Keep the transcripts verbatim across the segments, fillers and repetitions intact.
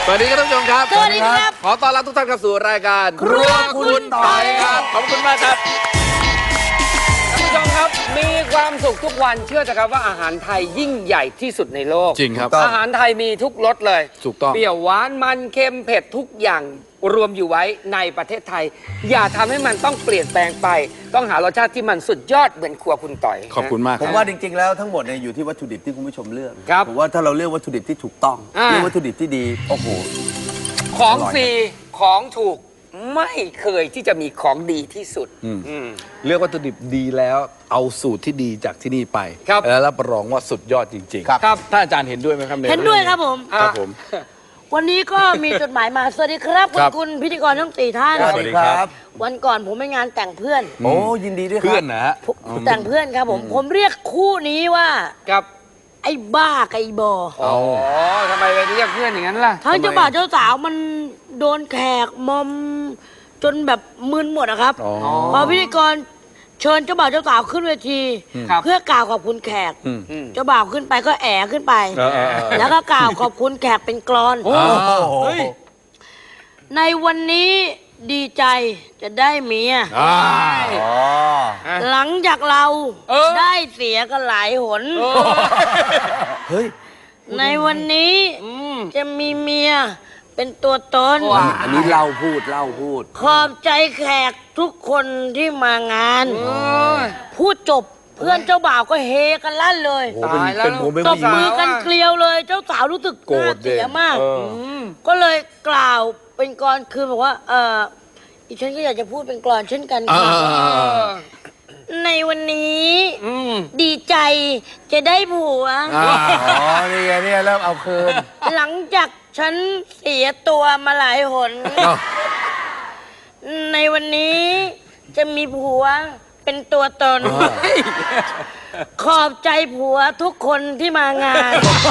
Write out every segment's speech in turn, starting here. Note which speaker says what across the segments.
Speaker 1: สวัสดีครับท่านผู้ชมครับ
Speaker 2: สวัสดีครับ
Speaker 1: ขอต้อนรับทุกท่านเข้าสู่รายการ
Speaker 2: ครัวคุณต่อยครับ
Speaker 1: ขอบคุณมากครับ
Speaker 3: ท่านผู้ชมครับมีความสุขทุกวันเชื่อเถอะครับว่าอาหารไทยยิ่งใหญ่ที่สุดในโลก
Speaker 1: จริงครับ
Speaker 3: อาหารไทยมีทุกรสเลย
Speaker 1: ถูกต้อง
Speaker 3: เปรี้ยวหวานมันเค็มเผ็ดทุกอย่างรวมอยู่ไว้ในประเทศไทย อย่าทำให้มันต้องเปลี่ยนแปลงไป ต้องหารสชาติที่มันสุดยอดเหมือนครัวคุณต่อย
Speaker 1: ขอบคุณมากค
Speaker 4: ผ
Speaker 1: รับ
Speaker 4: มว่าจริงๆแล้วทั้งหมดเนี่ยอยู่ที่วัตถุดิบที่คุณผู้ชมเลือก
Speaker 3: ครับ
Speaker 4: ผมว่าถ้าเราเลือกวัตถุดิบที่ถูกต้อง
Speaker 3: อ่า
Speaker 4: เลือกวัตถุดิบที่ดีโอ้โห
Speaker 3: ของ
Speaker 4: อร่อย
Speaker 3: ฟรีของถูกไม่เคยที่จะมีของดีที่สุด
Speaker 1: อืม
Speaker 3: อืม
Speaker 1: เลือกวัตถุดิบดีแล้วเอาสูตรที่ดีจากที่นี่ไป
Speaker 3: ครับ
Speaker 1: แล้วรับรองว่าสุดยอดจริงๆ
Speaker 4: ครับ
Speaker 3: ครับ
Speaker 1: ท่านอาจารย์เห็นด้วยไหมครับ
Speaker 2: เห็นด้วยครับผม
Speaker 1: ครับผม
Speaker 2: วันนี้ก็มีจดหมายมา สวัสดีครับ
Speaker 1: ครับ
Speaker 2: คุณพิธีกรทั้งสี่ท่าน
Speaker 1: สวัสดีครับ
Speaker 2: วันก่อนผมไปงานแต่งเพื่อน
Speaker 4: โอ้ยินดีด้วยครับ
Speaker 1: เพื่อนนะฮะ
Speaker 2: ผมแต่งเพื่อนครับผม ผมเรียกคู่นี้ว่า
Speaker 3: ครับ
Speaker 2: ไอ้บ้ากับไอ้บอ
Speaker 3: อ๋อทำไมไปเรียกเพื่อนอย่างนั้นล่ะ
Speaker 2: ทั้งเจ้าบ่าวเจ้าสาวมันโดนแขกมอมจนแบบมึนหมดอะครับ
Speaker 1: อ๋อ
Speaker 2: พอพิธีกรเชิญเจ้าบ่าวเจ้าสาวขึ้นเวที
Speaker 3: ครับ
Speaker 2: เพื่อกล่าวขอบคุณแขก
Speaker 1: อืม
Speaker 3: อืม
Speaker 2: เจ้าบ่าวขึ้นไปก็แอบขึ้นไป
Speaker 1: เออเออเออ
Speaker 2: แล้วก็กล่าวขอบคุณแขกเป็นกลอน
Speaker 3: โอ้
Speaker 4: โอ้โห
Speaker 3: เฮ้ย
Speaker 2: ในวันนี้ดีใจจะได้เมีย
Speaker 1: อ่า
Speaker 4: อ๋อ
Speaker 2: หลังจากเรา
Speaker 3: เออ
Speaker 2: ได้เสียกันหลายหน
Speaker 4: เฮ้ย
Speaker 2: ในวันนี้
Speaker 3: อืม
Speaker 2: จะมีเมียเป็นตัวตน
Speaker 3: ว้า
Speaker 4: อันนี้เล่าพูดเล่าพูด
Speaker 2: ขอบใจแขกทุกคนที่มางาน
Speaker 3: โอ้ย
Speaker 2: พูดจบเพื่อนเจ้าบ่าวก็เฮกันลั่นเลย
Speaker 4: โอ้เป็น
Speaker 3: ตายแล้ว
Speaker 4: เป็นผมเป็น
Speaker 2: ต
Speaker 4: ผู้
Speaker 2: บ
Speaker 4: หญิง
Speaker 2: มือกันเกลียวเลย เจ้าสาวรู้สึก
Speaker 1: โกรธ
Speaker 2: น่าเสียมาก
Speaker 1: เออ
Speaker 3: ม
Speaker 2: ก็เลยกล่าวเป็นกลอนคือบอกว่า เอออีฉันก็อยากจะพูดเป็นกลอนเช่นกัน
Speaker 1: อ่า
Speaker 2: ค่ะ
Speaker 1: อ่าอ่าอ่า
Speaker 2: ในวันนี้
Speaker 3: อืม
Speaker 2: ดีใจจะได้ผัว
Speaker 1: อ่า
Speaker 4: อ๋อนี่ไงเนี่ยเริ่มเอาคืน
Speaker 2: หลังจากฉันเสียตัวมาหลายหน
Speaker 1: อ้าว
Speaker 2: ในวันนี้จะมีผัวเป็นตัวตน ขอบใจผัวทุกคนที่มางาน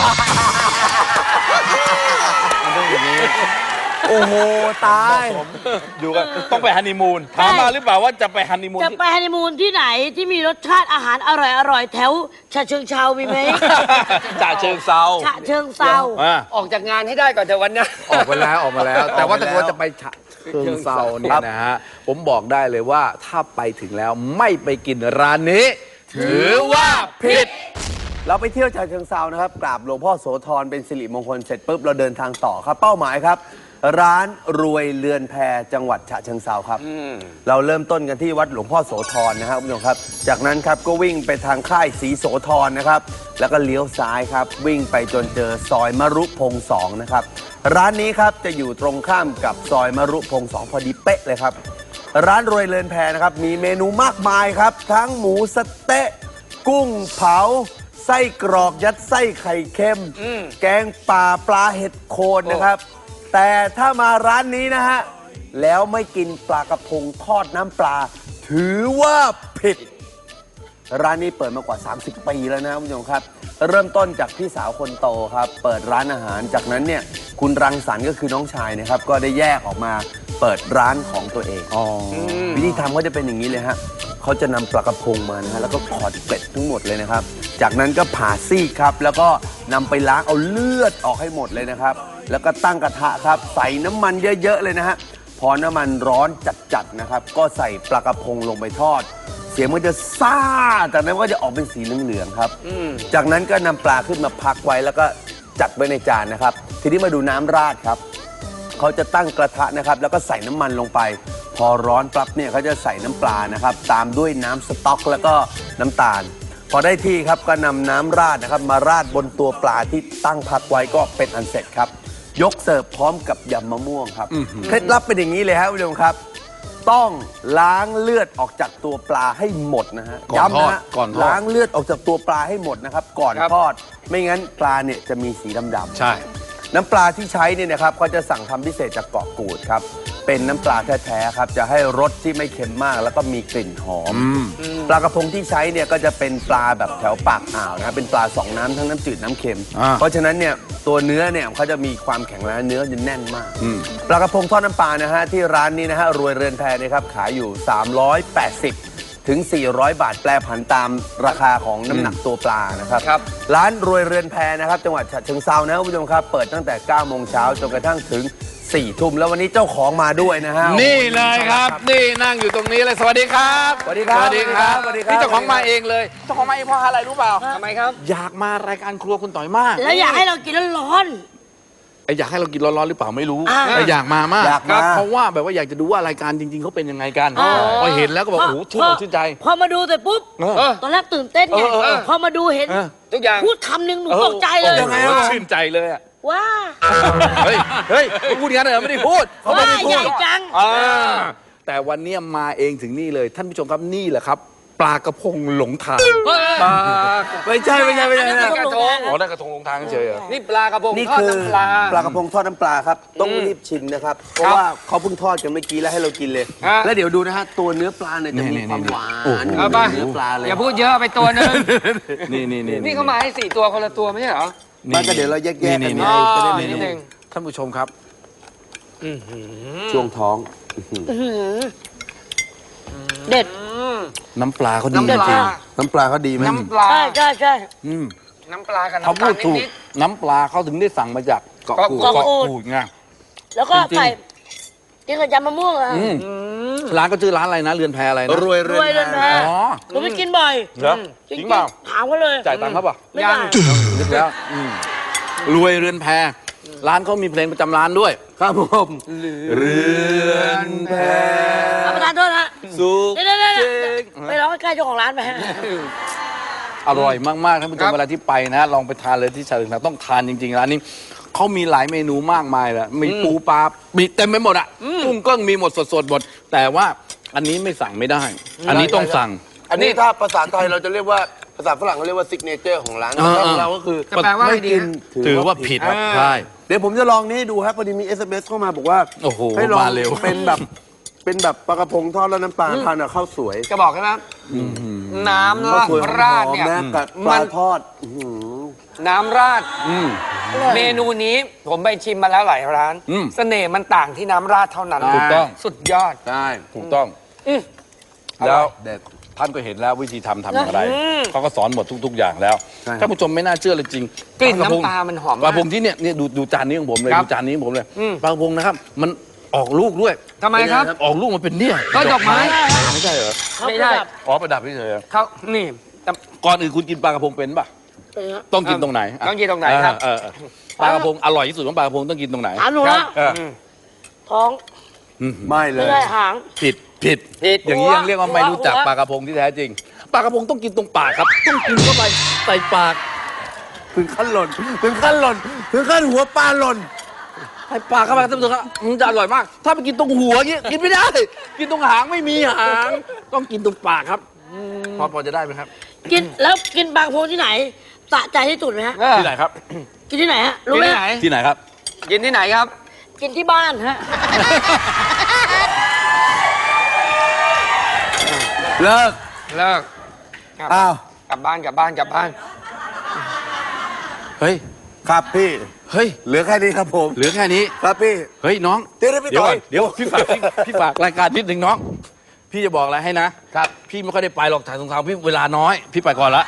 Speaker 4: โอ้โหตาย
Speaker 5: อยู่กันต้องไปฮันนีมูนถามมาหรือเปล่าว่าจะไปฮันนีมูน
Speaker 2: จะ
Speaker 5: ที่
Speaker 2: ไปฮันนีมูนที่ไหนที่มีรสชาติอาหารอร่อยๆ แถวฉะเชิงเทรามีไหม
Speaker 5: จ่าเชิงเซา
Speaker 2: ฉะเชิงเซา
Speaker 5: อ่า
Speaker 3: ออกจากงานให้ได้ก่อนเถอะวันเนี้ย
Speaker 1: ออกไปแล้วออกมาแล้ว แต่ว่าถ้าเกิดว่าจะไปฉะเชิงเซาเนี่ยนะฮะผมบอกได้เลยว่าถ้าไปถึงแล้วไม่ไปกินร้านนี้ ถือว่าผิด
Speaker 4: เราไปเที่ยวฉะเชิงเซานะครับกราบหลวงพ่อโสธรเป็นสิริมงคลเสร็จปุ๊บเราเดินทางต่อครับเป้าหมายครับ ร้านรวยเรือนแพจังหวัดฉะเชิงเซาครับเราเริ่มต้นกันที่วัดหลวงพ่อโสธรนะครับคุณผู้ชมครับจากนั้นครับก็วิ่งไปทางค่ายศรีโสธรนะครับแล้วก็เลี้ยวซ้ายครับวิ่งไปจนเจอซอยมรุพงศ์สองนะครับร้านนี้ครับจะอยู่ตรงข้ามกับซอยมรุพงศ์สองพอดีเป๊ะเลยครับร้านรวยเรือนแพนะครับมีเมนูมากมายครับทั้งหมูสะเต๊ะกุ้งเผาไส้กรอกยัดไส้ไข่เค็ม แกงป่าปลาเห็ดโคนนะครับ แต่ถ้ามาร้านนี้นะฮะ แล้วไม่กินปลากระพงทอดน้ำปลา ถือว่าผิด ร้านนี้เปิดมากว่า สามสิบ ปีแล้วนะคุณผู้ชมครับ เริ่มต้นจากพี่สาวคนโตครับ เปิดร้านอาหารจากนั้นเนี่ยคุณรังสรรค์ก็คือน้องชายนะครับ ก็ได้แยกออกมาเปิดร้านของตัวเอง
Speaker 1: อ๋อ
Speaker 4: วิธีทำก็จะเป็นอย่างนี้เลยฮะเขาจะนำปลากระพงมานะฮะแล้วก็ขอดเกล็ดทั้งหมดเลยนะครับ จากนั้นก็ผ่าซีกครับ แล้วก็นำไปล้างเอาเลือดออกให้หมดเลยนะครับ แล้วก็ตั้งกระทะครับ ใส่น้ำมันเยอะๆเลยนะฮะ พอน้ำมันร้อนจัดๆนะครับ ก็ใส่ปลากระพงลงไปทอด เสียงมันจะซ่า จากนั้นก็จะออกเป็นสีเหลืองๆครับ จากนั้นก็นำปลาขึ้นมาพักไว้แล้วก็จัดไว้ในจานนะครับ ทีนี้มาดูน้ำราดครับ เขาจะตั้งกระทะนะครับแล้วก็ใส่น้ำมันลงไป พอร้อนปั๊บเนี่ยเขาจะใส่น้ำปลานะครับตามด้วยน้ำสต๊อกแล้วก็น้ำตาล พอได้ที่ครับก็นำน้ำราดนะครับมาราดบนตัวปลาที่ตั้งพักไว้ก็เป็นอันเสร็จครับ ยกเสิร์ฟพร้อมกับยำมะม่วงครับเคล็ดลับเป็นอย่างนี้เลยครับคุณผู้ชมครับ ต้องล้างเลือดออกจากตัวปลาให้หมดนะฮะ
Speaker 1: ก่อนทอด
Speaker 4: ย้ำนะฮะ
Speaker 1: ก่อนทอด
Speaker 4: ล้างเลือดออกจากตัวปลาให้หมดนะครับก่อน
Speaker 3: ครับ
Speaker 4: ทอด ไม่งั้นปลาเนี่ยจะมีสีดำๆ
Speaker 1: ใช่
Speaker 4: น้ำปลาที่ใช้เนี่ยนะครับเขาจะสั่งทำพิเศษจากเกาะกูดครับ เป็นน้ำปลาแท้ๆครับ จะให้รสที่ไม่เค็มมากแล้วก็มีกลิ่นหอม ปลากระพงที่ใช้เนี่ยก็จะเป็นปลาแบบแถวปากอ่าวนะครับเป็นปลาสองน้ำทั้งน้ำจืดน้ำเค็ม
Speaker 1: อ่า
Speaker 4: เพราะฉะนั้นเนี่ยตัวเนื้อเนี่ยเขาจะมีความแข็งแรงเนื้อจะแน่นมาก ปลากระพงทอดน้ำปลานะฮะที่ร้านนี้นะฮะรวยเรือนแพนะครับขายอยู่ สามร้อยแปดสิบถึง สี่ร้อย บาทแปลผันตามราคาของน้ำหนักตัวปลานะครับ
Speaker 3: ครับ
Speaker 4: ร้านรวยเรือนแพนะครับจังหวัดฉะเชิงเทรานะคุณผู้ชมครับเปิดตั้งแต่ เก้า โมงเช้าจนกระทั่งถึง สี่ ทุ่มแล้ววันนี้เจ้าของมาด้วยนะฮะ
Speaker 1: นี่เลยครับ นี่นั่งอยู่ตรงนี้เลยสวัสดีครับ
Speaker 4: สวัสดีครับ
Speaker 1: สวัสดีครับ
Speaker 4: สวัสดีครับ
Speaker 1: นี่เจ้าของมาเองเลยเจ้าของมาเองเพราะอะไรรู้เปล่า
Speaker 3: ทำไมครับ
Speaker 1: อยากมารายการครัวคุณต่อยมาก
Speaker 2: แล้วอยากให้เรากินร้อน
Speaker 1: ไอ้อยากให้เรากินร้อนๆหรือเปล่าไม่รู้
Speaker 2: อ่า
Speaker 1: แต่อยากมามาก
Speaker 4: อยากมา
Speaker 1: เพราะว่าแบบว่าอยากจะดูว่ารายการจริง ๆเขาเป็นยังไงกัน
Speaker 2: อ๋อ
Speaker 1: พอเห็นแล้วก็บอก
Speaker 2: พ
Speaker 1: โอ้โหชื่นอกชื่นใจ
Speaker 2: พอมาดูเสร็จปุ๊บ
Speaker 1: เออ
Speaker 3: เออ
Speaker 2: ตอนแรกตื่นเต้นไง
Speaker 1: เออเออเออ
Speaker 2: พอมาดูเห็น
Speaker 1: เออ
Speaker 3: ทุกอย่าง
Speaker 2: พูดคำหนึ่งหนูตกใจเลย
Speaker 1: ยังไงวะชื่นใจเลยอะ
Speaker 2: ว้า
Speaker 1: เฮ้ยเฮ้ยไม่พูดงั้นเหรอไม่ได้พูด
Speaker 2: ว้าใหญ่จัง
Speaker 1: อ่าแต่วันเนี้ยมาเองถึงนี่เลย ท่านผู้ชมครับนี่แหละครับ ปลากระพงหลงทางปลา
Speaker 4: ไม่ใช่ไม่ใช่ไม่ใช่
Speaker 2: อันนั้น
Speaker 4: นะ
Speaker 2: กระทง
Speaker 1: อ๋อนั่นกระทงหลงทางเฉยเหรอ
Speaker 3: นี่ปลากระพง
Speaker 4: นี่
Speaker 3: ทอด
Speaker 4: คือ
Speaker 3: น้ำปลา
Speaker 4: ปลากระพงทอดน้ำปลาครับต้องรีบชิมนะครับเพราะว่าเขาเพิ่งทอดกันเมื่อกี้แล้วให้เรากินเลย
Speaker 3: ฮะ
Speaker 4: แล้วเดี๋ยวดูนะฮะตัวเนื้อปลาเนี่ยจะมี
Speaker 1: นี่
Speaker 4: ความ
Speaker 1: นี่
Speaker 4: หวา
Speaker 1: โอ้โห
Speaker 4: น
Speaker 3: เอาไป
Speaker 4: เนื้อปลาเลย
Speaker 3: อย่าพูดเยอะไปตัวหนึง
Speaker 1: นี่นี่นี่
Speaker 3: นี่เขามาให้สี่ตัวคนละตัวไม่ใช่เหรอ
Speaker 4: ไมันก็เดี๋ยวเราแยกๆกัน
Speaker 1: นี่
Speaker 4: ไง
Speaker 3: อ๋อ
Speaker 4: จะได้
Speaker 3: นิ
Speaker 4: ไม่
Speaker 3: ดนึง
Speaker 1: ท่านผู้ชมครับ
Speaker 4: ช่วงท้อง
Speaker 2: เด็ด
Speaker 1: น้ำปลาเขาดี
Speaker 3: น้ำ
Speaker 1: จ
Speaker 3: ป
Speaker 1: ริ
Speaker 3: ลาง
Speaker 4: น้ำปลาเขาดีไหม
Speaker 3: น้ำปลา
Speaker 2: ใช่ใช่ใช่
Speaker 1: ๆอืม
Speaker 3: น้ำปลากับ
Speaker 1: เขา
Speaker 3: น้ำตา
Speaker 1: พู
Speaker 3: ล
Speaker 1: ดถูก
Speaker 3: นิด
Speaker 1: น้ำปลาเขาถึงได้สั่งมาจากเกาะกูด
Speaker 2: เกาะกูด
Speaker 1: กูดไง
Speaker 2: แล้วก็
Speaker 1: จริงๆ
Speaker 2: ใส่กินกับยำมะม่วงอะ
Speaker 1: อืมร้านก็ชื่อร้านอะไรนะเรือนแพอะไรนะ
Speaker 4: รวย
Speaker 2: ร
Speaker 4: เรื
Speaker 2: วย
Speaker 4: อน
Speaker 2: เรือน
Speaker 4: แพ
Speaker 2: แพ
Speaker 1: อ๋อ
Speaker 2: ผมไปกินบ่อย
Speaker 1: เหรอจริงเปล่า
Speaker 2: ถามเขาเลย
Speaker 1: จ่ายตังค์เขาเปล่า
Speaker 2: ไม่
Speaker 3: ยั
Speaker 2: ได้
Speaker 3: ง
Speaker 1: นึกแล้วอืมรวยเรือนแพร้านเขามีเพลงประจำร้านด้วย
Speaker 4: ครับผม
Speaker 1: เรือนแพ
Speaker 2: เอาประทานโทษนะ
Speaker 1: สุข
Speaker 2: เดี๋ยวเดี๋ยวเดี๋ยวไปร้องใกล้ๆเจ้าของร้านไปฮะ
Speaker 1: อร่อยมากๆท่านผู้ช
Speaker 3: ครั
Speaker 1: ม
Speaker 3: บ
Speaker 1: เวลาที่ไปนะ ลองไปทานเลยที่ฉะเชิงเทราต้องทานจริงๆร้านนี้เขามีหลายเมนูมากมายแหละมีปูปลามีเต็มไปหมดอ่ะกุ้งก็มีหมดสดๆหมด แต่ว่าอันนี้ไม่สั่งไม่ได้ อันนี้ต้องสั่ง
Speaker 4: อันนี้ถ้าภาษาไทยเราจะเรียกว่าภาษาฝรั่งเขาเรียกว่าซิกเนเจอร์ของร้าน
Speaker 1: เออ
Speaker 4: ของเราก็คือ
Speaker 3: จะแปลว่าอะไร
Speaker 4: ไม่
Speaker 3: ดี
Speaker 4: กิน
Speaker 3: ฮะ
Speaker 1: ถือว่าผิด
Speaker 3: อ่า
Speaker 1: ใช่
Speaker 4: เดี๋ยวผมจะลองนี่ให้ดูครับพอดีมี เอส เอ็ม เอส เข้ามาบอกว่า
Speaker 1: โอ้โห
Speaker 4: ให้ลอง
Speaker 1: มาเร็ว
Speaker 4: เป็นแบบเป็นแบบปลากระพงทอดแล้วน้ำปลาทานกับข้าวสวย
Speaker 3: จะบอกใช่ไหมน้ำ
Speaker 4: ข้าว
Speaker 3: ราด
Speaker 4: สวย
Speaker 3: ราดเนี่ย
Speaker 4: หอมๆนะกับป
Speaker 3: มั
Speaker 4: ลาน ทอดอื้อหือ
Speaker 3: น้ำราด
Speaker 1: อืม
Speaker 3: เมนูนี้ผมไปชิมมาแล้วหลายร้าน
Speaker 1: อืม
Speaker 3: เสน่ห์มันต่างที่น้ำราดเท่านั้น
Speaker 1: ถูกต้อง
Speaker 3: สุดยอด
Speaker 1: ได้ถูกต้อง
Speaker 3: อืม
Speaker 1: แล้ว
Speaker 4: เด็ด
Speaker 1: ท่านก็เห็นแล้ววิธีทำทำอย่างไร
Speaker 3: อืม
Speaker 1: เขาก็สอนหมดทุก ๆ อย่างแล้ว
Speaker 4: ใช่ครับ
Speaker 1: ท่านผู้ชมไม่น่าเชื่อเลยจริง
Speaker 3: กลิ่น
Speaker 1: ระพง
Speaker 3: น้ำปลามันหอม
Speaker 1: ป
Speaker 3: มา
Speaker 1: ลาก พงที่เนี่ยเนี่ยดูดูจานนี้ของผมเลย
Speaker 3: ครับ
Speaker 1: ดูจานนี้ของผมเลย
Speaker 3: อืม
Speaker 1: ปลากระพงนะครับ มันออกลูกด้วย
Speaker 3: ทำไมครับ
Speaker 1: ออกลูกมันเป็นเนี่ย
Speaker 3: ก็ดอกไม้
Speaker 1: ไม่ใช่เหรอ
Speaker 3: ไม่ได้
Speaker 1: อ๋อประดับเฉยๆ
Speaker 3: เขานี่แต่
Speaker 1: ก่อนอื่นคุณกินปลากระพงเป็นป่ะ
Speaker 2: เป็นไง
Speaker 1: ต้องกินตรงไหนะ
Speaker 3: ต้องกินตรงไหนครับ
Speaker 1: เออเออเออปลากระพงอร่อยที่สุดของปลากระพงต้องกินตรงไหน
Speaker 2: ถามหนู
Speaker 3: ครั
Speaker 2: นะ
Speaker 3: บ
Speaker 1: เออ
Speaker 3: อืม
Speaker 2: ท้อง
Speaker 1: อืม
Speaker 4: ไม่เล
Speaker 2: ไม่
Speaker 4: ย
Speaker 2: ได้หาง
Speaker 1: ผิดผิด
Speaker 3: ผิด
Speaker 1: อย่างนี้ยังเรียกว่าไม่รู้จักปลากระพงที่แท้จริงปลากระพงต้องกินตรงปากครับ ต้องกินเข้าไปใส่ปาก
Speaker 4: ถึงขั้นหล่นถึงขั้นหล่นถึงขั้นหัวปลาหล่น
Speaker 1: ใส่ปากเข้าไปท่านผู้ชมครับมันจะอร่อยมาก ถ้าไปกินตรงหัวอย่างงี้กินไม่ได้ กินตรงหางไม่มีหาง ต้องกินตรงปากครับพอพอจะได้ไหมครับ
Speaker 2: กินแล้วกินปลากระพงที่ไหนสะใจที่สุดไหมฮะ
Speaker 3: เออ
Speaker 1: ที่ไหนครับ
Speaker 2: กินที่ไหนฮะ
Speaker 3: กิ
Speaker 2: รู้
Speaker 3: น
Speaker 2: ไหม
Speaker 3: ที่ไหน
Speaker 1: ที่ไหนครับ
Speaker 3: กินที่ไหนครับ
Speaker 2: กินที่บ้านฮะ
Speaker 4: เลิก
Speaker 3: เลิกกลับ
Speaker 4: อ้าว
Speaker 3: กลับบ้านกลับบ้านกลับบ้าน
Speaker 1: เฮ้ย
Speaker 4: ครับพี่
Speaker 1: เฮ้ย
Speaker 4: เหลือแค่นี้ครับผม
Speaker 1: เหลือแค่นี้
Speaker 4: ครับพี่
Speaker 1: เฮ้ยน้อง
Speaker 4: เดี๋ยวนะพี่
Speaker 1: เดี๋ยว
Speaker 4: ต่
Speaker 1: ก่
Speaker 4: อ
Speaker 1: อย นเดี๋ยวพี่ฝากพี่พี่ฝากรายการนิดหนึ่งน้อง พี่จะบอกอะไรให้นะครับ พี่ไม่ค่อยได้ไปหรอกถ่ายสงครามพี่เวลาน้อย พี่ไปก่อนละ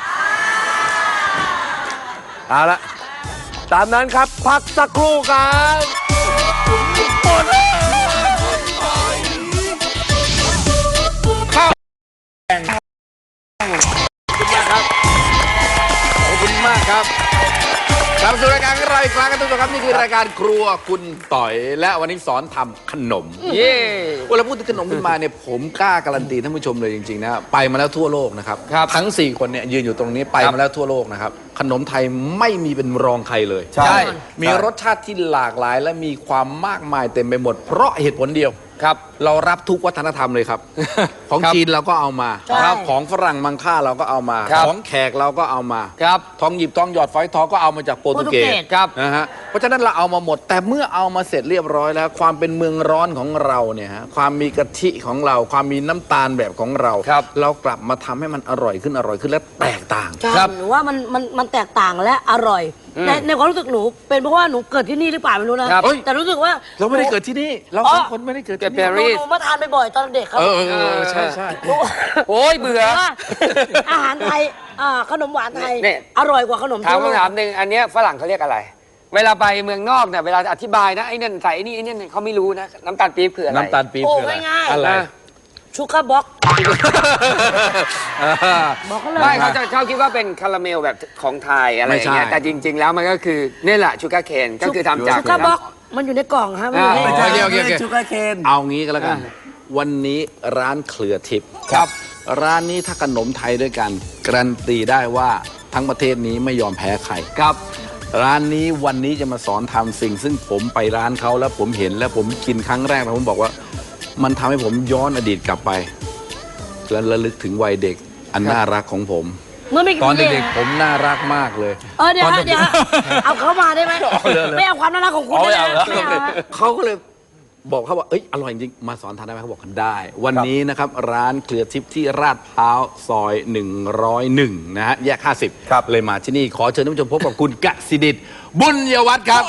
Speaker 4: เอาละตามนั้นครับพักสักครู่ครับหมดแล้ว
Speaker 1: ขอบคุณมากครับกลับมาสู่รายการของเราอีกครั้งกันทุกท่านครับนี่คือรายการครัวคุณต่อย และวันนี้สอนทำขนม
Speaker 3: เย่
Speaker 1: เวลาพูดถึงขนมขึ้นมาเนี่ยผมกล้าการันตีท่านผู้ชมเลยจริงๆนะไปมาแล้วทั่วโลกนะครับทั้งสี่คนเนี่ยยืนอยู่ตรงนี้ไปมาแล้วทั่วโลกนะครับขนมไทยไม่มีเป็นรองใครเลย
Speaker 4: ใช่
Speaker 1: มีรสชาติที่หลากหลายและมีความมากมายเต็มไปหมด เพราะเหตุผลเดียว
Speaker 3: ครับ
Speaker 1: เรารับทุกวัฒนธรรมเลยครับ ของ
Speaker 3: ครับ
Speaker 1: จีนเราก็เอามา
Speaker 2: ใช่
Speaker 1: ครับของฝรั่งมังค่าเราก็เอามา
Speaker 3: ครับ
Speaker 1: ของแขกเราก็เอามา
Speaker 3: ครับ
Speaker 1: ทองหยิบทองหยอดฝอยทองก็เอามาจากโปรตุเกส
Speaker 3: ครับ
Speaker 1: นะฮะเพราะฉะนั้นเราเอามาหมด แต่เมื่อเอามาเสร็จเรียบร้อยแล้ว ความเป็นเมืองร้อนของเราเนี่ยฮะความมีกะทิของเรา ความมีน้ำตาลแบบของเรา
Speaker 3: ครับ
Speaker 1: เรากลับมาทำให้มันอร่อยขึ้นอร่อยขึ้นและแตกต่าง
Speaker 2: ใช่
Speaker 3: ครับ
Speaker 2: หนูว่ามันมันมันแตกต่างและอร่อยในในความรู้สึกหนูเป็นเพราะว่าหนูเกิดที่นี่หรือเปล่าไม่รู้นะครับ แต่รู้สึกว่า
Speaker 1: เราไม่ได้เกิดที่นี่ เราสองคนไม่ได้เกิดที่
Speaker 3: เกิด
Speaker 1: นี่
Speaker 3: ปารีส
Speaker 2: หนูมาทานบ่อยๆตอนเด็กครับ
Speaker 1: เออเออเออใช่ใช่
Speaker 2: หนู
Speaker 3: โอ้ยเบื่อ
Speaker 2: ว่าอาหารไทยอ่าขนมหวานไทย
Speaker 3: เนี่ย
Speaker 2: อร่อยกว่าขนม
Speaker 3: ถาม
Speaker 2: ทั่วโลก
Speaker 3: คำถามหนึ่งอันเนี้ยฝรั่งเขาเรียกอะไร เวลาไปเมืองนอกเนี่ยเวลาอธิบายนะไอ้นั่นใส่ไอ้นี่ไอ้นี่เขาไม่รู้นะน้ำตาลปี๊บคืออะไร
Speaker 1: น้ำตาลปี๊บ
Speaker 2: โอ้
Speaker 1: คืออะไร
Speaker 2: ง่ายๆ
Speaker 1: อะไร
Speaker 2: ชูการ์บ็อก บอกเขาเลย
Speaker 3: ไม่เขาจะเขาคิดว่าเป็นคาราเมลแบบของไทยอะไรอย่างเงี้ย
Speaker 1: ไม่ใช่
Speaker 3: แต่จริง ๆ แล้วมันก็คือนี่แหละชูการ์เคนก็คือทำจาก
Speaker 2: ชูการ์บ็อกมันอยู่ในกล่องครับมันอยู่ใน
Speaker 3: อ่า
Speaker 4: ไม่ใช่
Speaker 1: โอเคโอเคโอเค
Speaker 4: ชูการ์เคน
Speaker 1: เอางี้ก็แล้วกัน วันนี้ร้านเครือทิพย์
Speaker 3: ครับ
Speaker 1: ร้านนี้ถ้าขนมไทยด้วยกันการันตีได้ว่าทั้งประเทศนี้ไม่ยอมแพ้ใคร
Speaker 3: ครับ
Speaker 1: ร้านนี้วันนี้จะมาสอนทำสิ่ง ซึ่งผมไปร้านเขาแล้วผมเห็นแล้วผมกินครั้งแรกแล้วผมบอกว่า มันทำให้ผมย้อนอดีตกลับไป และระลึกถึงวัยเด็กอันน่ารักของผม
Speaker 2: เมื่อไม่กี่
Speaker 1: ตอน
Speaker 2: ปี
Speaker 1: เด็กๆผมน่ารักมากเลย
Speaker 2: เออเดี๋ยว
Speaker 1: ตอน
Speaker 2: ฮะเดี๋ยวฮะเอาเขามาได้ไหมไม่เอาความน่ารักของคุณ
Speaker 5: เอาไม่
Speaker 2: ได้
Speaker 5: เอา
Speaker 2: ไหม
Speaker 5: เหรอ
Speaker 2: ไม่เอาฮะ
Speaker 1: เขาก็เลยบอกเขาว่าเอ้ยอร่อยจริงมาสอนทานได้ไหมเขาบอกได้ วันนี้นะครับร้านเครือทิพย์ที่ราดพร้าวซอยหนึ่งร้อยเอ็ดนะฮะแยกห้าสิบ
Speaker 4: ครับ
Speaker 1: เลยมาที่นี่ขอเชิญท่านผู้ชมพบกับคุณกสิดิษฐ์บุญยวัฒน์ครับ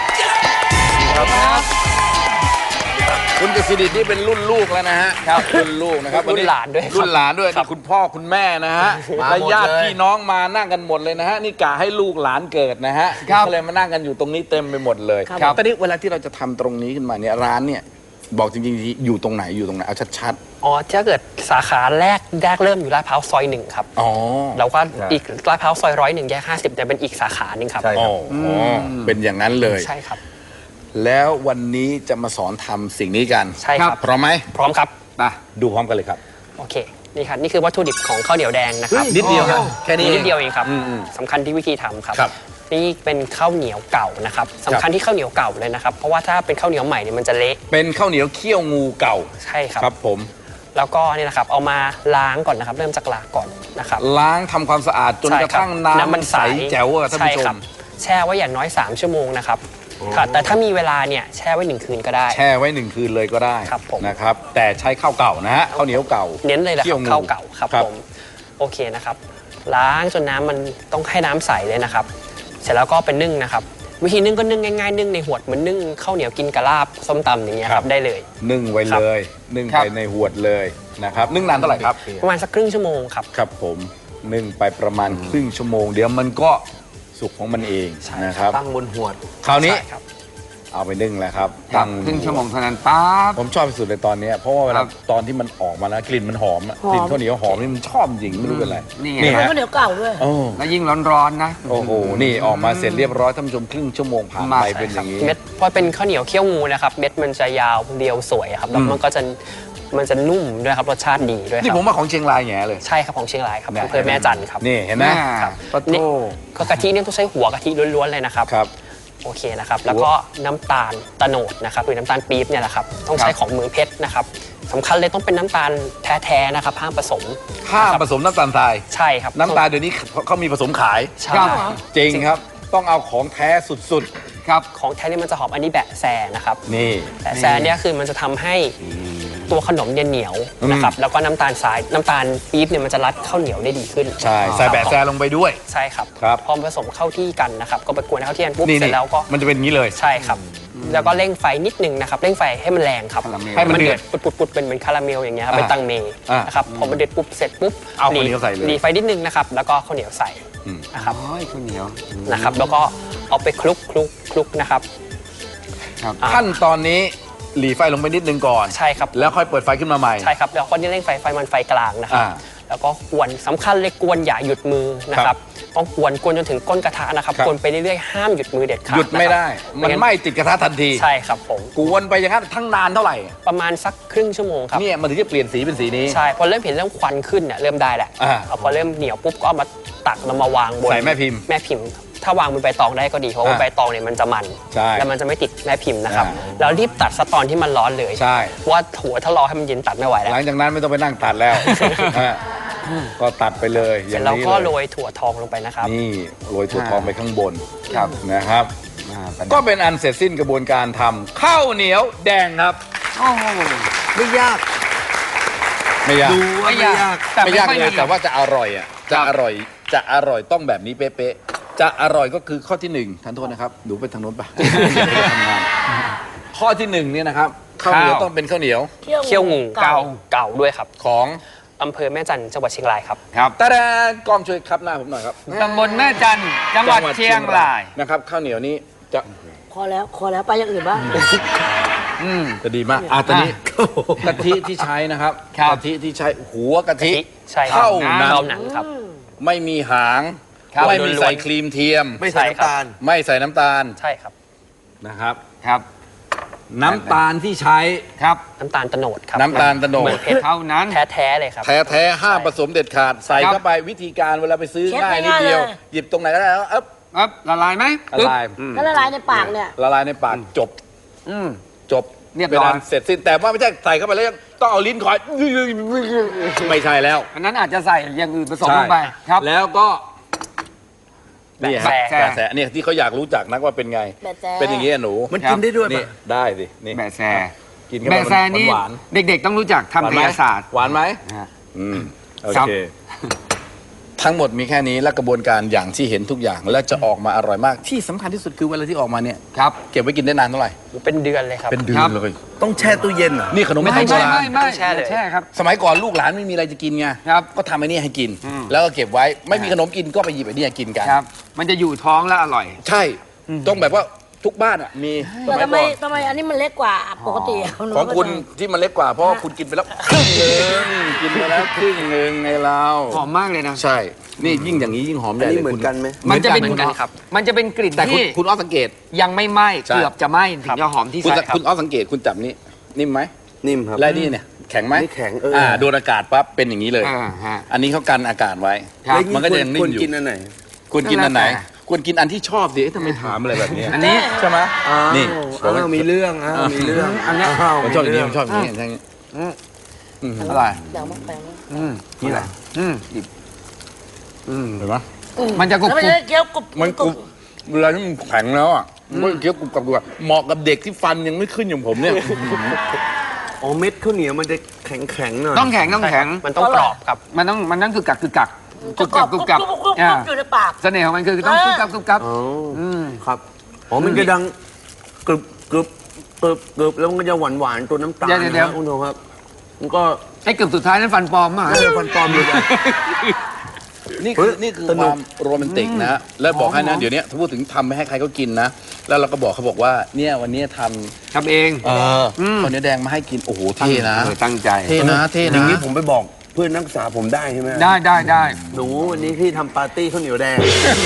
Speaker 1: คุณกสิดิษฐ์นี่เป็นรุ่นลูกแล้วนะฮะครับรุ่นลูกนะครับ
Speaker 6: รุ่นหลานด้วยครับ
Speaker 1: รุ่นหลานด้วยนี่คุณพ่อคุณแม่นะฮะ
Speaker 4: มา
Speaker 1: และ
Speaker 4: หมด
Speaker 1: ญาติ
Speaker 4: เลย
Speaker 1: พี่น้องมานั่งกันหมดเลยนะฮะนี่กะให้ลูกหลานเกิดนะฮะ
Speaker 3: ครับ
Speaker 1: ก็เลยมานั่งกันอยู่ตรงนี้เต็มไปหมดเลย
Speaker 3: ครับ
Speaker 1: ตอนนี้เวลาที่เราจะทำตรงนี้ขึ้นมาเนี่ยร้านเนี่ยบอกจริงๆอยู่ตรงไหนอยู่ตรงไหนเอาชัด
Speaker 6: อ๋อถ้าเกิดสาขาแรกแรกเริ่มอยู่ลาดพร้าวซอยหนึ่งครับ
Speaker 1: ๆอ๋อ
Speaker 6: แล้วก็อีกลาดพร้าวซอยร้อยหนึ่งแยกห้าสิบเนี่ยเป็นอีกสาขาหนึ่งครับ
Speaker 4: ใช่
Speaker 1: อ๋ออ๋อเป็นอย่างนั้นเลย
Speaker 6: ใช่ครับ
Speaker 1: แล้ววันนี้จะมาสอนทำสิ่งนี้กัน
Speaker 6: ใช่ครับ
Speaker 1: พร้อมไหม
Speaker 6: พร้อมครับ
Speaker 1: ไปดูพร้อมกันเลยครับ
Speaker 6: โอเคนี่ครับนี่คือวัตถุดิบของข้าวเหนียวแดงนะครับ
Speaker 1: นิดเดียวครับแค่นี้
Speaker 6: นิดเดียวเองครับ
Speaker 1: อืมอืม
Speaker 6: สำคัญที่วิธีทำครับ
Speaker 1: ครับ
Speaker 6: นี่เป็นข้าวเหนียวเก่านะครับสำคัญที่ข้าวเหนียวเก่าเลยนะครับเพราะว่าถ้าเป็นข้าวเหนียวใหม่เนี่ยมันจะเละ
Speaker 1: เป็นข้าวเหนียวเคี่ยวงูเก่า
Speaker 6: ใช่ครับ
Speaker 1: ครับผม
Speaker 6: แล้วก็นี่นะครับเอามาล้างก่อนนะครับ เริ่มจากล้างก่อนนะครับ
Speaker 1: ล้างทำความสะอาดจน
Speaker 6: ใช่
Speaker 1: กระ
Speaker 6: คบ
Speaker 1: ทั่งน้ำมันใสแจ๋วอะท่าน
Speaker 6: ใช่
Speaker 1: ผู้ช
Speaker 6: ครั
Speaker 1: ม
Speaker 6: บแช่ไว้อย่างน้อย สาม ชั่วโมงนะครับค่ะแต่ถ้ามีเวลาเนี่ยแช่ไว้หนึ่งคืนก็ได้
Speaker 1: แช่ไว้หนึ่งคืนเลยก็ได้
Speaker 6: ครับผม
Speaker 1: นะครับ แต่ใช้ข้าวเก่านะฮะข้าวเหนียวเก่า
Speaker 6: เน้นเลยแหละค
Speaker 1: คี่
Speaker 6: รั
Speaker 1: ว
Speaker 6: บ
Speaker 1: งู
Speaker 6: ข้าวเก่าครับ
Speaker 1: ครับ
Speaker 6: ผมโอเคนะครับ ล้างจนน้ำมันต้องให้น้ำใสเลยนะครับ เสร็จแล้วก็เป็นนึ่งนะครับ วิธีนึ่งก็นึ่งง่ายๆนึ่งในหวดเหมือนนึ่งข้าวเหนียวกินกะลาบส้มตำอย่างเงี้ยครับได้เลย
Speaker 1: นึ่งไว้
Speaker 6: ครับ
Speaker 1: เลย นึ่ง
Speaker 3: ครั
Speaker 1: ไป
Speaker 3: บ
Speaker 1: ในหวดเลยนะครับนึ่งนานเท่าไหร่ครับ
Speaker 6: ประมาณสักครึ่งชั่วโมงครับ
Speaker 1: ครับผมนึ่งไปประมาณครึ่งชั่วโมง เดี๋ยวมันก็สุกของมันเอง
Speaker 6: ใช่
Speaker 1: นะครับ
Speaker 4: ตั้งบนหวด
Speaker 1: คราวนี้
Speaker 6: ใช่ครับ
Speaker 1: เอาไปนึ่งแล้วครับ
Speaker 3: ครั
Speaker 1: ตั้
Speaker 3: บ
Speaker 1: ง
Speaker 3: ครึ่งชั่วโมงเท่านั้นปั๊บ
Speaker 1: ผมชอบที่สุดเลยตอนเนี้ยเพราะว่าเว
Speaker 3: ค
Speaker 1: ลา
Speaker 3: รับ
Speaker 1: ตอนที่มันออกมาแล้วกลิ่นมันหอมอะ
Speaker 2: หอม
Speaker 1: กลิ่นข้าวเหนียวหอมนี่มันชอบจริงไม่รู้เป็นไร
Speaker 3: นี่ไง
Speaker 1: นี่
Speaker 2: มัน
Speaker 1: ฮะ
Speaker 2: ก็เหนียวเก่าด้วย
Speaker 1: โอ้
Speaker 3: แล้วยิ่งร้อนๆนะ
Speaker 1: โอ้โหนี่ออกมาเสร็จเรียบร้อยท่านผู้ชมครึ่งชั่วโมงผ่าน
Speaker 3: มา
Speaker 1: ไป
Speaker 3: ใช่
Speaker 1: เป็นอย่างนี้
Speaker 6: เม็ดพอเป็นข้าวเหนียวเคี่ยวงูนะครับเม็ดมันจะยาวเรียวสวยครับแล้วมันก็จะมันจะนุ่มด้วยครับรสชาติดีด้วยค
Speaker 1: นี่
Speaker 6: รับ
Speaker 1: ผมว่าของเชียงรายแง่เลย
Speaker 6: ใช่ครับของเชียงรายครับ
Speaker 1: เนี่ย
Speaker 6: อำเภอแม่จันทร์ครับ
Speaker 1: นี่เห็นไหม
Speaker 3: ครับ
Speaker 1: ปะโถ
Speaker 6: นี่ก็กะทิเนี่ยต้องใช้หัวกะทิล้วนๆเลยนะครับ
Speaker 1: ครับ
Speaker 6: โอเคนะครับแล้วก็น้ำตาลตะโนดนะครับหรือน้ำตาลปี๊บเนี่ยแหละครับต้องใช้ของเมืองเพชรนะครับสำคัญเลยต้องเป็นน้ำตาลแท้ๆนะครับห้ามผสม
Speaker 1: ห้ามผสมน้ำตาลทราย
Speaker 6: ใช่ครับ
Speaker 1: น้ำตาลเดี๋ยวนี้เขามีผสมขาย
Speaker 6: ใช่
Speaker 3: ครับ
Speaker 1: จริงครับ ต้องเอาของแท้สุด
Speaker 3: ครับ
Speaker 6: ของแท้เนี่ยมันจะหอมอันนี้แบะแซนะครับ
Speaker 1: ๆ นี่
Speaker 6: แบะแซเนี่ยคือมันจะทำให้ตัวขนมเนี่ยเหนียวนะครับแล้วก็น้ำตาลทรายน้ำตาลปี๊บเนี่ยมันจะรัดข้าวเหนียวได้ดีขึ้น
Speaker 1: ใช่ใส่แบะแซลงไปด้วย
Speaker 6: ใช่ครับ
Speaker 1: ครับ
Speaker 6: พอผสมเข้าที่กันนะครับก็ไปกวนให้เข้าที่กันปุ๊บ
Speaker 1: นี่
Speaker 6: เสร็
Speaker 1: นี่
Speaker 6: จแล้วก็
Speaker 1: มันจะเป็นอย่างนี้เลย
Speaker 6: ใช่ครับ แล้วก็เร่งไฟนิดนึงนะครับเร่งไฟให้มันแรงครับ
Speaker 3: คาราเมล
Speaker 1: ให้มันเดือด
Speaker 6: ปุดปุดๆๆเป็นเหมือนคาราเมลอย่างเงี้ยครับ
Speaker 1: อ่า
Speaker 6: เป็นตังเม
Speaker 1: อ่าน
Speaker 6: นะครับพอมันเดือดปุ๊บเสร็จปุ๊บ
Speaker 1: เอาข้าวเหนียวใส่เลย
Speaker 6: รีไฟนิดนึงนะครับแล้วก็ข้าวเหนียวใส่
Speaker 1: อืม
Speaker 6: นะครับ
Speaker 3: โอ้ยข้าวเหนียว
Speaker 6: นะครับ แล้วก็เอาไปคลุกคลุกคลุกนะครับ
Speaker 3: ครับ
Speaker 6: อ่า
Speaker 1: ขั้นตอนนี้หลีไฟลงไปนิดนึงก่อน
Speaker 6: ใช่ครับ
Speaker 1: แล้วค่อยเปิดไฟขึ้นมาใหม่
Speaker 6: ใช่ครับแล้วก็เร่งไฟไฟมันไฟกลางนะครับ
Speaker 1: อ่า
Speaker 6: แล้วก็กวนสำคัญเลยกวนอย่าหยุดมือนะค
Speaker 1: ครั
Speaker 6: รับบ ต้องกวนกวนจนถึงก้นกระทะนะครับ
Speaker 1: ครับ
Speaker 6: กวนไปเรื่อยๆห้ามหยุดมือเด็ดขาด
Speaker 1: หยุดไม่ได้
Speaker 6: ะครับ
Speaker 1: มันไหม้ติดกระทะทันที
Speaker 6: ใช่ครับผม
Speaker 1: กวนไปอย่างนั้นทั้งนานเท่าไหร่
Speaker 6: ประมาณสักครึ่งชั่วโมงครับ
Speaker 1: เนี่ยมันถึงจะเปลี่ยนสีเป็นสีนี้
Speaker 6: ใช่พอเริ่มเห็นเริ่มควันขึ้นเนี่ยเริ่มได้แหละ
Speaker 1: อ่า
Speaker 6: เอาพอเริ่มเหนียวปุ๊บก็เอามาตักแล้วมาวางบน
Speaker 1: ใส่แม่พิมพ์
Speaker 6: แม่พิมพ์ ถ้าวางบนใบตองได้ก็ดีเพราะว่า
Speaker 1: อ่า
Speaker 6: ใบตองเนี่ยมันจะมัน
Speaker 1: ใช่
Speaker 6: แล้วมันจะไม่ติดแม่พิมพ์นะครับ
Speaker 1: อ่า
Speaker 6: แล้วรีบตัดซะตอนที่มันร้อนเลย
Speaker 1: ใช่
Speaker 6: เพราะว่าหัวถ้ารอให้มันเย็นตัดไม่ไหวแล้ว
Speaker 1: หลังจากนั้นไม่ต้องไปนั่งตัดแล้วฮะก็ตัดไปเลยอ
Speaker 6: เสร็
Speaker 1: ย่า
Speaker 6: จ
Speaker 1: ง
Speaker 6: แล้ว
Speaker 1: นี้
Speaker 6: ก็
Speaker 1: เล
Speaker 6: โร
Speaker 1: ย
Speaker 6: ยถั่วทองลงไปนะครับ
Speaker 1: นี่โรยถั่วทองไปข้างบน
Speaker 3: ครับ
Speaker 1: นะครับ
Speaker 3: อ่าประดับ
Speaker 1: ก็เป็นอันเสร็จสิ้นกระบวนการทำข้าวเหนียวแดงครับ
Speaker 3: โอ้โห
Speaker 4: ไม่ยาก
Speaker 1: ไม่ยาก
Speaker 4: ดูว่าไม่ยาก
Speaker 3: แต่
Speaker 1: ไม่
Speaker 3: ไม่
Speaker 1: ยาก
Speaker 3: ค่อย
Speaker 1: เล
Speaker 3: มี
Speaker 1: ยแต่ว่าจะอร่อยอ่ะจะอร่อยจะอร่อยต้องแบบนี้เป๊ะ
Speaker 3: ค
Speaker 1: จะอร่อยก็คือข้อที่หนึ่งท่านโทษนะครับดูไปทางโน้นปะ ทำงานข้อที่หนึ่งเนี่ยนะครับข้าวเหนียวต้องเป็นข้าวเหนียว
Speaker 6: เคี่ยวงูเก่าเก่าด้วยครับ
Speaker 1: ของ
Speaker 6: อำเภอแม่จันทร์จังหวัดเชียงรายครับ
Speaker 3: ครับ
Speaker 1: ตาแดงกล้องช่วยครับหน้าผมหน่อยครับ
Speaker 3: ตำบลแม่จันทร์จังหวัดเชียงราย
Speaker 1: นะครับข้าวเหนียวนี้จะ
Speaker 2: พอแล้วพอแล้วไปอย่างอื่นบ้าง
Speaker 3: อืม
Speaker 1: จะดีมากอ่ะตอนนี้กะทิที่ใช้นะครับ
Speaker 3: ครับ
Speaker 1: กะทิที่ใช้หัวกะทิ
Speaker 6: ใช่ครับ
Speaker 1: เท่านั้น
Speaker 6: เท่านั้นครับ
Speaker 1: ไม่มีหาง
Speaker 3: ครับ
Speaker 1: ไม่มีใส่ครีมเทียม
Speaker 4: ไม่ใส่น้ำตาล
Speaker 1: ไม่ใส่น้ำตาล
Speaker 6: ใช่ครับ
Speaker 1: นะครับ
Speaker 3: ครับ
Speaker 1: น้ำตาลที่ใช้
Speaker 3: ครับ
Speaker 6: น้ำตาลโตโนดครับ
Speaker 1: น้ำตาลโตโนด
Speaker 6: เหมือนเพชร
Speaker 3: เท่านั้น
Speaker 6: แท้ๆเลยครับ
Speaker 1: แท้แท้ๆห้ามผสมเด็ดขาดใส่
Speaker 3: ครับ
Speaker 1: เข้าไปวิธีการเวลาไปซื้อ
Speaker 2: เช็ด
Speaker 1: ง่ายนิด
Speaker 2: ง่ายๆ
Speaker 1: เดียว
Speaker 2: เลย
Speaker 1: หยิบตรงไหนก็ได้แล้วเอ๊บ
Speaker 3: ครับละลายไหม
Speaker 1: ละลาย
Speaker 3: อืม
Speaker 2: ถ้าละลายในปากเนี่ย
Speaker 1: ละลายในปากจบ
Speaker 3: อืม
Speaker 1: จบ
Speaker 3: เรียบร้อย
Speaker 1: ป็นนเสร็จสิ้นแต่ว่าไม่ใช่ใส่เข้าไปแล้วยังต้องเอาลิ้นคอยไม่ใช่แล้ว
Speaker 3: อันนั้นอาจจะใส่อย่างอื่นผสมลงไปครับ
Speaker 1: แล้วก็นี่ฮะ
Speaker 6: แบะแส
Speaker 1: แบะแสเนี่ยที่เขาอยากรู้จักนักว่าเป็นไง
Speaker 2: แบะแส
Speaker 1: เป็นอย่างนี้อะหนู
Speaker 4: มันกินได้ด้วย
Speaker 1: นี่
Speaker 4: ปะ
Speaker 1: ได้สินี่
Speaker 3: แบะแซ
Speaker 1: กินเข้า
Speaker 3: แบะ
Speaker 1: ไป
Speaker 3: แซนี่
Speaker 1: หวาน
Speaker 3: เด็กๆต้องรู้จัก
Speaker 1: ๆ
Speaker 3: ทำกายศาสตร์
Speaker 1: หวานไหม
Speaker 3: นะฮะ
Speaker 1: อืมโอ
Speaker 3: ครับ
Speaker 1: เค ทั้งหมดมีแค่นี้และกระบวนการอย่างที่เห็นทุกอย่างและจะออกมาอร่อยมาก ที่สำคัญที่สุดคือเวลาที่ออกมาเนี่ย
Speaker 3: ครับ
Speaker 1: เก็บไว้กินได้นานเท่าไหร่
Speaker 6: เป็นเดือนเลยครับ
Speaker 1: เป็นเดือ
Speaker 3: ครั
Speaker 1: น
Speaker 3: บ
Speaker 1: เลย
Speaker 4: ต้องแช่ตู้เย็นเหรอ
Speaker 1: นี่ขนม
Speaker 3: ไม่
Speaker 1: ไทยโบ
Speaker 3: ไม่
Speaker 1: รา
Speaker 3: ไม่
Speaker 1: ณ
Speaker 3: ไม่
Speaker 6: แช่เลย
Speaker 3: แช่ครับ
Speaker 1: สมัยก่อนลูกหลานไม่มีอะไรจะกินไง
Speaker 3: ครับ
Speaker 1: ก็ทำไอ้นี่ให้กิน
Speaker 3: อืม
Speaker 1: แล้วก็เก็บไว้ไม่มีขนมกินก็ไปหยิบไอ้นี่กินกัน
Speaker 3: ครับ มันจะอยู่ท้องและอร่อย
Speaker 1: ใช่ ต้องแบบว่าทุกบ้านอ่ะมีส
Speaker 2: แต่
Speaker 1: มัย
Speaker 2: ทำไม
Speaker 1: ก่อน
Speaker 2: ทำไมอันนี้มันเล็กกว่าปกติะ
Speaker 1: ของคุณที่มันเล็กกว่าเพราะว่าคุณกินไปแล้วครึ่งหนึ่งกินไปแล้วครึ่งหนึ่งไงเรา
Speaker 3: หอมมากเลยนะ
Speaker 1: ใช่ นี่ยิ่งอย่างนี้ยิ่งหอมให
Speaker 4: อัน
Speaker 1: ญ่
Speaker 4: นี้
Speaker 1: เลย
Speaker 4: เหมือนกันไหม
Speaker 3: มันจะเป็น
Speaker 6: เหมือนกันครับ
Speaker 3: มันจะเป็นกลิ่น
Speaker 1: แต่คุณ
Speaker 3: ที่
Speaker 1: คุณอ้อสังเกต
Speaker 3: ยังไม่ไหม้
Speaker 1: ใช่
Speaker 3: เกือบจะไหม้ถึงจะหอมที่
Speaker 1: คุณ
Speaker 3: ใส่
Speaker 1: คุณอ้อสังเกตคุณจับนี้นิ่มไหม
Speaker 4: นิ่มครับ
Speaker 1: และนี่เนี่ยแข็งไหม
Speaker 4: นี่แข็งเอออ่
Speaker 1: โดนอากาศปั๊บเป็นอย่างนี้เลย
Speaker 3: อ่าฮะ
Speaker 1: อันนี้เขากันอากาศไว้
Speaker 3: ครับ
Speaker 4: แล้ว
Speaker 1: มันก็จะยังนิ่
Speaker 4: คว
Speaker 1: ม
Speaker 4: ร
Speaker 1: อยู่
Speaker 4: กินอันไหน
Speaker 1: คุณกินอันไหน
Speaker 3: แล้วแต่
Speaker 1: ควรกินอันที่ชอบสิเอ๊ะทำไมถามอะไรแบบนี้
Speaker 3: อันนี้
Speaker 1: ใช่ไหม นี่
Speaker 4: อ้าวมีเรื่องอ้าวมีเรื่อง
Speaker 3: อันเนี้ย
Speaker 4: อ้าว
Speaker 1: ผมชอบอย่างนี้
Speaker 4: เรื่
Speaker 1: ผมชอบอย่างนี้อย่างนี้
Speaker 3: อืม
Speaker 1: อืม
Speaker 3: อร่อย
Speaker 2: แบ่งมาแบ่งมา
Speaker 3: อืม
Speaker 4: นี่แหละ
Speaker 3: อืม
Speaker 1: อืมเห็นไหม
Speaker 3: มันจะกรุบ
Speaker 2: แล้วมัน
Speaker 3: กรุบ
Speaker 2: จะเคี้ยวกรุบ
Speaker 1: มันกรุบเวลาที่มันแข็งแล้วอ่ะมันเคี้ยวกรุบกรับกรุบกรับเหมาะกับเด็กที่ฟันยังไม่ขึ้นอย่างผมเนี่ย
Speaker 4: อ๋อเม็ดข้าวเหนียวมันจะแข็งแข็งๆหน่อย
Speaker 3: ต้องแข็งต้องแข็ง
Speaker 6: มันต้องกรอบครับ
Speaker 3: มันต้องมันต้องคือกักคือกัก
Speaker 2: กรุบกรับกรุบกรับกรุบกรุบ
Speaker 3: อ่า
Speaker 2: อยู่ในปาก
Speaker 3: เสน่ห์ของมันคือต้องกรุบกรับกรุบกรับ
Speaker 4: อ๋ออ
Speaker 3: ม
Speaker 4: ครับอ๋อมันจะดังกรึบกรึบกรึบกรึบแล้วมันก็จะหวานหวานๆตัวน้ำตาล
Speaker 3: เดี๋ยวเดี๋ยว
Speaker 4: นะคุณผู้ชมครับ มันก็
Speaker 3: ไอ้เกือบสุดท้ายนั้นฟันปลอมมาก
Speaker 4: เออฟันปลอมเลยอะ
Speaker 1: นี่
Speaker 4: เฮ้
Speaker 1: คือย นี่คือ
Speaker 4: ส
Speaker 1: ค
Speaker 4: นุก
Speaker 1: วามโรแมนติกนะฮะแล้วบอกให้นะ
Speaker 3: หอม
Speaker 1: เดี๋ยวนี้ถ้าพูดถึงทำไปให้ใครเขากินนะ แล้วเราก็บอกเขาบอกว่าเนี่ยวันนี้ท
Speaker 3: ทำเอง
Speaker 1: ำเอออ
Speaker 3: ม
Speaker 1: ข้าวเหนียวแดงมาให้กินโอ้โหเท่นะ
Speaker 3: เออตั้งใจ
Speaker 1: เท่นะเท่
Speaker 4: อ
Speaker 1: นะ
Speaker 4: ย่างนี้ผมไปบอกเพื่อนนักศึกษาผมได้ใช่ไหม
Speaker 3: ได้ได้ได้
Speaker 4: หนูวันนี้พี่ทำปาร์ตี้ข้าวเหนียวแดง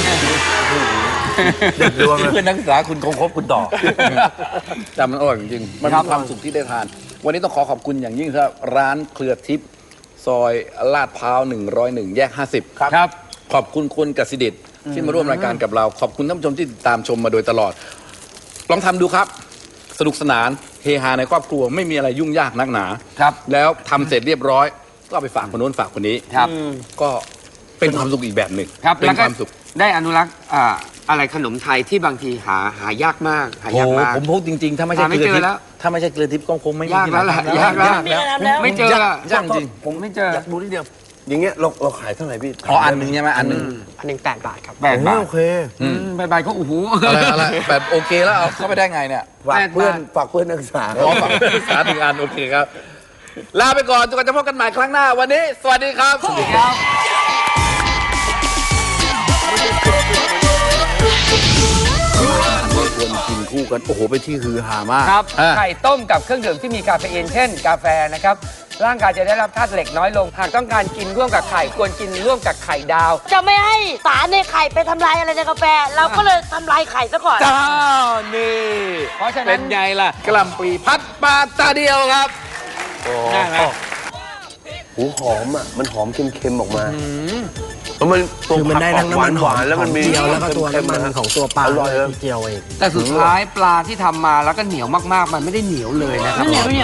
Speaker 4: เด็ดดวงเลย
Speaker 1: เพื่อนนักศึกษาคุณคงคบคุณต่อแต่มันอร่อยจริงๆมันมีความสุขที่ได้ทาน วันนี้ต้องขอขอบคุณอย่างยิ่งครับร้านเครือทิพย์ซอยลาดพร้าวหนึ่งร้อยหนึ่งแยกห้าสิบ
Speaker 3: ครับ
Speaker 1: ขอบคุณคุณกสิดิตที่มาร่วมรายการกับเรา ขอบคุณท่านผู้ชมที่ติดตามชมมาโดยตลอด ลองทำดูครับ สนุกสนานเฮฮาในครอบครัวไม่มีอะไรยุ่งยากนักหนา
Speaker 3: ครับ
Speaker 1: แล้วทำเสร็จเรียบร้อย ก็เอาไปฝากคนโน้นฝากคนนี้
Speaker 3: ครับ
Speaker 1: ก็เป็นความสุขอีกแบบหนึ่ง
Speaker 3: ครับ
Speaker 1: เป็
Speaker 3: แล้ว
Speaker 1: น
Speaker 3: ก็
Speaker 1: ความสุข
Speaker 3: ได้อนุรักษ์อ่าอะไรขนมไทยที่บางทีหาหายากมากหา
Speaker 1: โอ้
Speaker 3: ยาก
Speaker 1: โห
Speaker 3: มาก
Speaker 1: ผมพูดจริงๆ ถ้าไม่ใช่
Speaker 3: หาไม่
Speaker 1: เกลือทิพ
Speaker 3: เจอแล้ว
Speaker 1: ย์ถ้าไม่ใช่เกลือทิพย์ก็คงไม่มี
Speaker 3: ยากแล้วล่ะ
Speaker 1: ที่ไหน
Speaker 3: ยากแล้ว
Speaker 1: ยากแล้ว
Speaker 2: แล้ว
Speaker 3: ไม่เจอละ
Speaker 1: ยากจริง
Speaker 3: ผมไม่เจอ
Speaker 4: อยากดูนิดเดียว อย่างเงี้ยเราเราขายเท่าไหร่พี่
Speaker 1: อ๋ออันหนึ่งใช่ไหมอันหนึ่ง
Speaker 6: อันหนึ่งแปดบาทครับ
Speaker 3: แปดบาท
Speaker 4: โอเค
Speaker 3: อืมใบใบก็โอ้โห
Speaker 1: อะไรอะไรแบบโอเคแล้วเอาเข้าไปได้ไงเนี่ย
Speaker 4: ฝากเพื่อน
Speaker 3: แปดบาท
Speaker 4: ฝากเพื่อนนักศึกษา
Speaker 1: ขอฝากศึกษาถึงอันโอเคครับ ลาไปก่อนจนกว่าจะพบกันใหม่ครั้งหน้าวันนี้ สวัสดีครับ
Speaker 3: ครับ
Speaker 1: ควรกินคู่กัน โอ้โหเป็นที่ฮือฮามาก
Speaker 3: ครับ
Speaker 1: อ่ะ
Speaker 3: ไข่ต้มกับเครื่องดื่มที่มีคาเฟอีนเช่น กาแฟนะครับร่างกายจะได้รับธาตุเหล็กน้อยลง หากต้องการกินร่วมกับไข่ควรกินร่วมกับไข่ดาว
Speaker 2: จะไม่ให้สารในไข่ไปทำลายอะไรในกาแฟ เราก็เลยทำลายไข่ซะก่อน
Speaker 1: เจ้านี่
Speaker 3: เพราะฉะนั้น
Speaker 1: เป็นไงล่ะกะหล่ำปลีพัดปลาตาเดียวครับ
Speaker 3: นั่นแหละ
Speaker 4: หูหอมอ่ะ มันหอมเค็มๆออกมาแล้วมันตัว
Speaker 7: คือมันได้ทั้งน้ำมัน
Speaker 4: หวานๆแล้วมันมี
Speaker 7: เจียวแล้วก็ตัวน้ำมันของตัวปลา
Speaker 4: อร่อยเลย
Speaker 7: ที่เจียวเอง
Speaker 3: แต่สุดท้ายปลาที่ทำมาแล้วก็เหนียวมากๆ มันไม่ได้เหนียวเลยนะครับ
Speaker 2: ไม่เหนียวไม่เหนียว